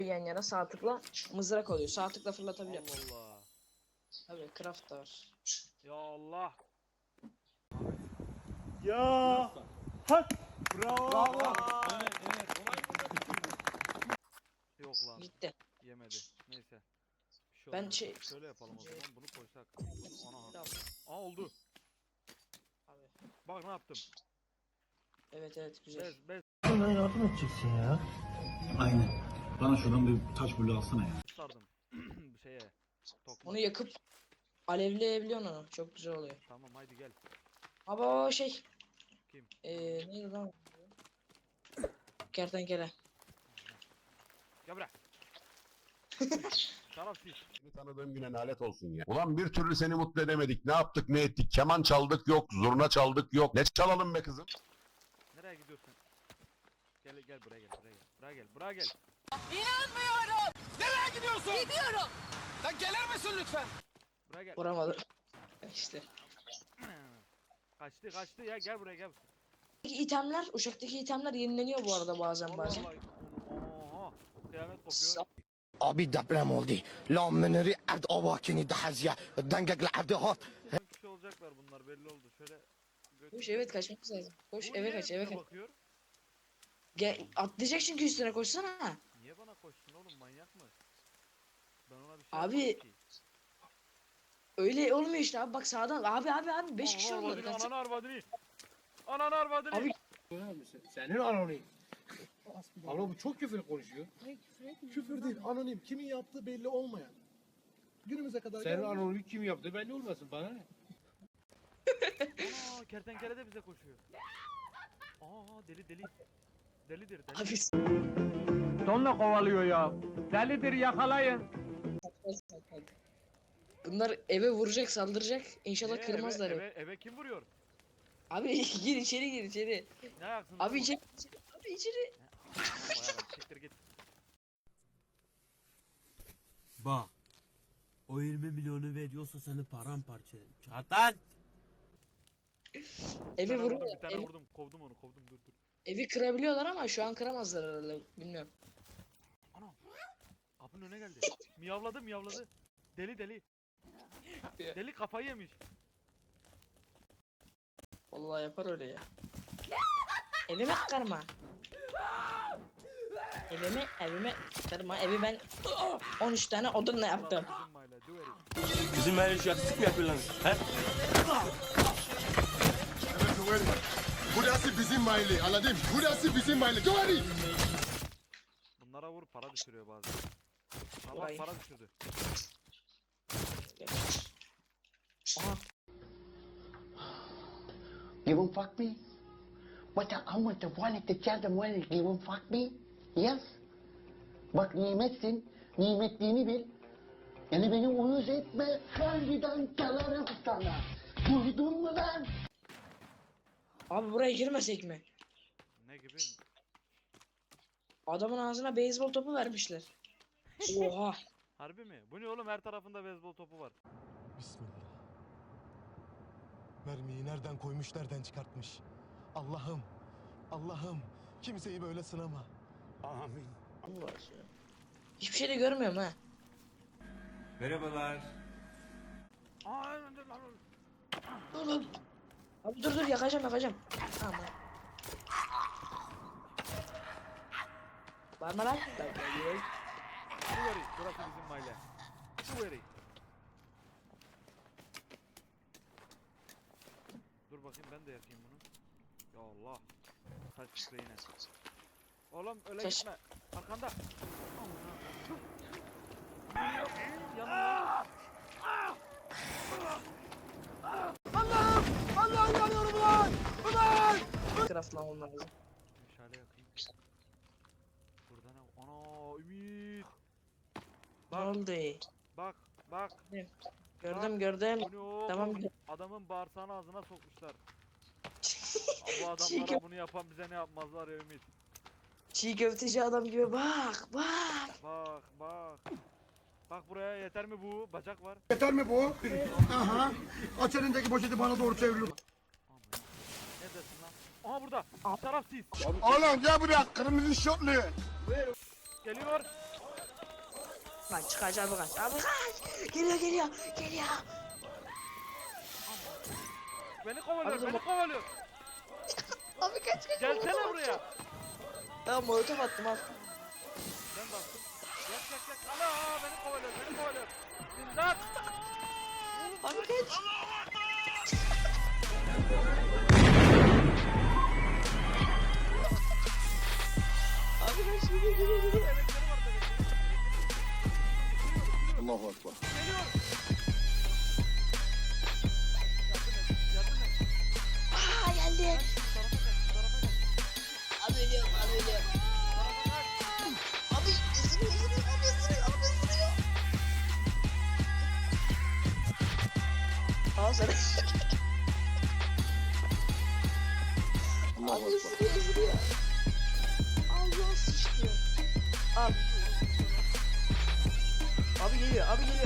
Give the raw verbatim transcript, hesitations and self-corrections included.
yan yana sağ tıkla mızrak oluyor. Sağ tıkla fırlatabiliyor. Allah Allah. Tabii craft da var. Ya Allah. Ya. Hak. Bravo. Bravo. Evet evet. Yok lan. Gitti. Yemedi. Neyse. Bir şey Ben olmaz. şey- Şöyle yapalım o zaman. Bunu koysak. Ana. Tamam. Aa oldu. Abi. Bak ne yaptım. Evet evet güzel. Bez bez Bana yardım edeceksin ya. Aynen. Bana şuradan bir taş bulu alsana ya. sardım. Şeye. Tokma. Onu yakıp alevleyebiliyorsun onu. Çok güzel oluyor. Tamam haydi gel. Abi o şey. Kim? Eee neydi lan? Kertenkele. Gel buraya. Şerefsiz. Seni tanıdığım güne lanet olsun ya. Ulan bir türlü seni mutlu edemedik. Ne yaptık ne ettik. Keman çaldık yok. Zurna çaldık yok. Ne çalalım be kızım? Nereye gidiyorsun? Gel gel buraya gel buraya gel. Buraya gel buraya gel. İnanmıyorum. Nereye gidiyorsun? Gidiyorum. Lan gelir misin lütfen? Buraya gel. Vuramadı. İşte. Kaçtı kaçtı ya gel buraya gel. Peki itemler, uçaktaki itemler yenileniyor bu arada bazen Allah bazen. Allah. Oha. Kıyamet kopuyor. Sa- Abi deprem oldu. La meneri ard avakini dahazya. Dengek l'abdi hat. Son kişi olacaklar bunlar belli oldu. Şöyle götür. Koş evet kaçmamız lazım. Koş Bu eve niye kaç eve bize kaç. bakıyor? Gel atlayacak çünkü üstüne koşsana. Niye bana koştun oğlum manyak mı? Ben ona bir şey Abi, yapmadım ki. Öyle olmuyor işte abi bak sağdan abi abi abi beş kişi Ananı oldular. arvadını, Kaçsana. Ananı arvadını. Ananı arvadını. Abi Senin anonim. Ama bu çok küfür konuşuyor. Küfür değil, anonim. Kimin yaptığı belli olmayan. Günümüze kadar Senin gelmiş. anonim kim yaptı belli olmasın bana ne? Aa kertenkele de bize koşuyor. Aa deli deli. Delidir deli. abi Donla kovalıyor ya. Delidir yakalayın. bunlar eve vuracak saldıracak. İnşallah Niye? kırmazlar Eve, evi. eve, eve kim vuruyor? Abi gir içeri gir içeri. Ne ayaksın? Abi içeri, içeri abi içeri. Siktir git. Bak. O yirmi milyonu veriyorsa seni paramparça ederim. Çatan! Bir Evi tane vurdum, vuruyorlar. bir tane Evi, vurdum. Kovdum onu kovdum dur dur. evi kırabiliyorlar ama şu an kıramazlar herhalde. Bilmiyorum. Ana. Kapının önüne geldi. Miyavladı miyavladı. Deli deli. Deli kafayı yemiş. Vallahi yapar öyle ya. Evime kırma. Evime evime kırma. Evi ben on üç tane odunla yaptım. Bizim mahalle, duveri. Bizim her iş yaksızlık mı yapıyorlar? He? Burası bizim mahalle. Anladın? Burası bizim mahalle. Doğru. Bunlara vur para düşürüyor bazen. Ama Vay. para düşürdü. Aha. You won't fuck me? But I want to want to tell them well, you won't fuck me? Yes. Bak nimetsin. Nimetliğini bil. Yani beni uyuz etme. Harbiden çalarım sana. Duydun mu lan? Abi buraya girmesek mi? Ne gibi? Adamın ağzına beyzbol topu vermişler. Oha. Harbi mi? Bu ne oğlum her tarafında beyzbol topu var. Bismillah. Mermiyi nereden koymuş, nereden çıkartmış. Allah'ım, Allah'ım kimseyi böyle sınama. Amin. Hiçbir şey de görmüyorum ha. Merhabalar. Aa dur lan. Dur dur. Abi dur dur yakacağım yakacağım. Aman. Bağırma lan. Duveri. Burası bizim mahalle. Duveri. Dur bakayım ben de yakayım bunu. Ya Allah. Saç çıktı yine. Oğlum öyle Saç- gitme. Arkanda. Yanıyor. Allah'ım yanıyorum ulan! Ulan! Craftlamam lazım. Meşale yakayım. Burada ne? Ana Ümit. Ne Bak oldu? bak bak. Gördüm gördüm. Bu ne o? Tamam. Adamın bağırsağını ağzına sokmuşlar. Bu Çiğ, adamlara kö bunu yapan bize ne yapmazlar ya Ümit. çiğ köfteci adam gibi bak bak. Bak bak. Bak buraya yeter mi bu? Bacak var. Yeter mi bu? Aha. Aç elindeki poşeti bana doğru çeviriyor. Aman. Neredesin lan? Aha burada. Şerefsiz. Oğlum gel buraya. Kırmızı şortlu. Geliyor. Kaç kaç abi kaç. Abi kaç. Geliyor geliyor geliyor. Beni kovalıyor, Abi, beni dur- kovalıyor. Abi kaç kaç. Gelsene buraya. Ya molotof attım al. Ben bastım. Yak yak yak. Ana beni kovalıyor, beni kovalıyor. İmdat. Abi kaç. Abi kaç geliyor geliyor geliyor. Bebekleri var bebekleri. Allahu Ekber. Geliyor. Yardım et, yardım et. Aa geldi. Kaç, şu tarafa kaç, şu tarafa kaç. Abi ölüyorum abi ölüyorum. Şu tarafa kaç. Abi ısırıyor ısırıyor abi ısırıyor abi ısırıyor. Aa sana. Abi ısırıyor ısırıyor. Allah sıçtı. Abi. Abi geliyor abi geliyor.